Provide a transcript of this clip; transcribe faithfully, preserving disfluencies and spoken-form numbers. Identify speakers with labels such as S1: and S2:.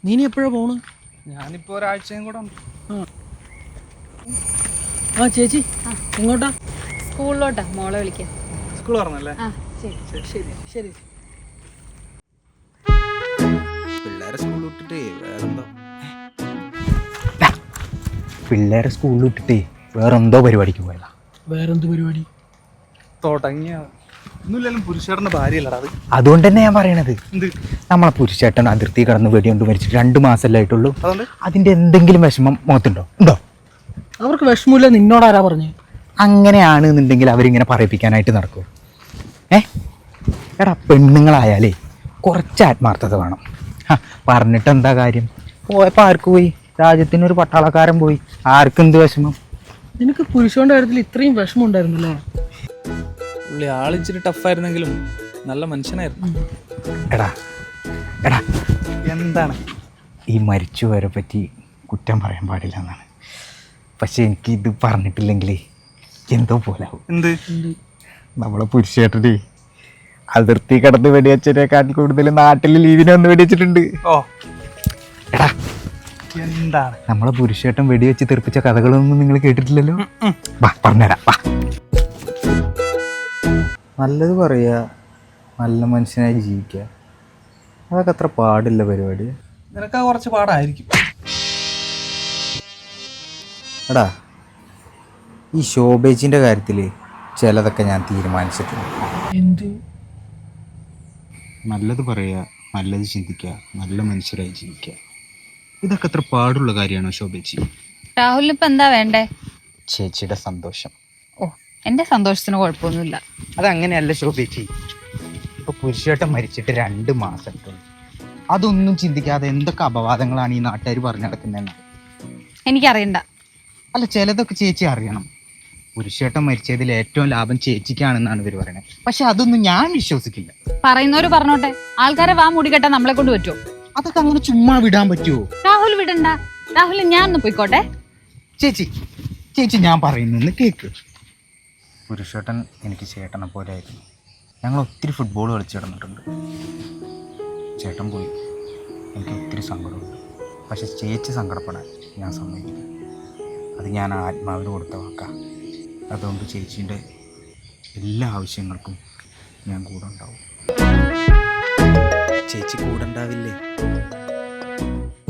S1: നീ ഇനി എപ്പോഴാ പോണ്?
S2: ഞാനിപ്പോ ഒരാഴ്ചയും കൂടെ ഉണ്ട്.
S1: ആ ചേച്ചി എങ്ങോട്ടാ?
S3: സ്കൂളിലോട്ടാ മോളെ വിളിക്കാൻ.
S2: സ്കൂൾ പറഞ്ഞല്ലേ?
S3: ആ ശരി
S1: ശരി ശരി.
S4: പിള്ളേരെ സ്കൂളിൽ വിട്ടിട്ട് വേറെന്തോ പിള്ളേരെ സ്കൂളിൽ വിട്ടിട്ട് വേറെന്തോ പരിപാടിക്ക് പോയതാ.
S1: വേറെന്ത് പരിപാടി?
S2: തുടങ്ങിയ ഒന്നുമില്ലാലും പുരുഷേട്ടന്റെ ഭാര്യയല്ലടാ അത്.
S4: അതുകൊണ്ട് തന്നെ ഞാൻ പറയണത്,
S2: എന്ത്
S4: നമ്മളെ പുരുഷേട്ടൻ അതിർത്തി കടന്ന് വെടികൊണ്ട് മരിച്ചിട്ട് രണ്ട് മാസമല്ലേ ആയിട്ടുള്ളൂ.
S2: അതുകൊണ്ട്
S4: അതിന്റെ എന്തെങ്കിലും വിഷമം മുഖത്തുണ്ടോ? ഉണ്ടോ?
S1: അവർക്ക് വിഷമമില്ല. നിന്നോടാരാ പറഞ്ഞു?
S4: അങ്ങനെയാണ് എന്നുണ്ടെങ്കിൽ അവരിങ്ങനെ പറയിപ്പിക്കാനായിട്ട് നടക്കും. ഏ എടാ, പെണ്ണുങ്ങളായാലേ കുറച്ച് ആത്മാർത്ഥത വേണം. പറഞ്ഞിട്ട് എന്താ കാര്യം? പോയപ്പോൾ ആർക്ക് പോയി? രാജ്യത്തിനൊരു പട്ടാളക്കാരൻ പോയി. ആർക്കെന്ത് വിഷമം?
S1: നിനക്ക് പുരുഷന്റെ കാര്യത്തിൽ ഇത്രയും വിഷമം ഉണ്ടായിരുന്നല്ലേ?
S2: പുള്ളി ആളിച്ചിരി ടഫായിരുന്നെങ്കിലും നല്ല മനുഷ്യനായിരുന്നു.
S4: എടാ എടാ
S2: എന്താണ്
S4: ഈ മരിച്ചുപോയവരെ പറ്റി കുറ്റം പറയാൻ പാടില്ല എന്നാണ്. പക്ഷെ എനിക്ക് ഇത് പറഞ്ഞിട്ടില്ലെങ്കിലേ എന്തോ പോലാവും.
S2: എന്ത്
S4: നമ്മളെ പുരുഷേട്ടനെ അതിർത്തി കടന്ന് വെടിവെച്ചതിനേക്കാൾ കൂടുതൽ നാട്ടിൽ ലീവിനെ ഒന്ന് വെടിവെച്ചിട്ടുണ്ട്.
S2: ഓ
S4: എടാ,
S2: എന്താണ്
S4: നമ്മളെ പുരുഷേട്ടൻ വെടിവെച്ച് തെറിപ്പിച്ച കഥകളൊന്നും നിങ്ങൾ കേട്ടിട്ടില്ലല്ലോ. വാ പറഞ്ഞുതരാം. വാ, നല്ലത് പറയുക, നല്ല മനുഷ്യനായി ജീവിക്കുക, അതൊക്കെ അത്ര പാടില്ല പരിപാടി.
S2: നിനക്ക് കുറച്ച് പാടായിരിക്കും.
S4: എടാ, ഈ ശോഭേജിൻ്റെ കാര്യത്തിൽ ചിലതൊക്കെ ഞാൻ തീരുമാനിച്ചിട്ടുണ്ട്.
S1: എന്ത്?
S4: നല്ലത് പറയുക, നല്ലത് ചിന്തിക്കുക, നല്ല മനുഷ്യരായി ജീവിക്കുക, ഇതൊക്കെ അത്ര പാടുള്ള കാര്യമാണോ ശോഭേജി?
S3: രാഹുലിന് ഇപ്പൊ എന്താ വേണ്ടേ?
S4: ചേച്ചിയുടെ സന്തോഷം.
S3: ഓ, എന്റെ സന്തോഷത്തിന് കുഴപ്പമൊന്നുമില്ല.
S4: അതങ്ങനെയല്ല ശോഭേജി. ഇപ്പൊ പുരുഷേട്ടൻ മരിച്ചിട്ട് രണ്ട് മാസം, അതൊന്നും ചിന്തിക്കാതെ എന്തൊക്കെ അപവാദങ്ങളാണ് ഈ നാട്ടുകാർ പറഞ്ഞു നടക്കുന്നതെന്ന്
S3: എനിക്കറിയണ്ട.
S4: അല്ല, ചിലതൊക്കെ ചേച്ചി അറിയണം. പുരുഷേട്ടൻ മരിച്ചതിൽ ഏറ്റവും ലാഭം ചേച്ചിക്കാണെന്നാണ് ഇവർ പറയുന്നത്. പക്ഷെ അതൊന്നും ഞാൻ വിശ്വസിക്കില്ല.
S3: പറയുന്നവര് പറഞ്ഞോട്ടെ. ആൾക്കാരെ വാ മൂടി കെട്ടാൻ നമ്മളെ കൊണ്ട് പറ്റുമോ?
S4: അതൊക്കെ അങ്ങനെ ചുമ്മാ വിടാൻ പറ്റുമോ?
S3: രാഹുൽ വിടണ്ട. രാഹുൽ ഞാൻ ഒന്ന് പോയിക്കോട്ടെ.
S4: ചേച്ചി ചേച്ചി ഞാൻ പറയുന്നു കേക്ക്. പുരുഷേട്ടൻ എനിക്ക് ചേട്ടനെ പോലെ ആയിരുന്നു. ഞങ്ങൾ ഒത്തിരി ഫുട്ബോൾ കളിച്ചു കിടന്നിട്ടുണ്ട്. ചേട്ടൻ പോയി, എനിക്ക് ഒത്തിരി സങ്കടമുണ്ട്. പക്ഷെ ചേച്ചി സങ്കടപ്പെടാൻ ഞാൻ സമ്മതിക്കില്ല. അത് ഞാൻ ആത്മാവിന് കൊടുത്ത വാക്കാം. അതുകൊണ്ട് ചേച്ചീൻ്റെ എല്ലാ ആവശ്യങ്ങൾക്കും ഞാൻ കൂടെ ഉണ്ടാവും. ചേച്ചി കൂടെ ഉണ്ടാവില്ലേ?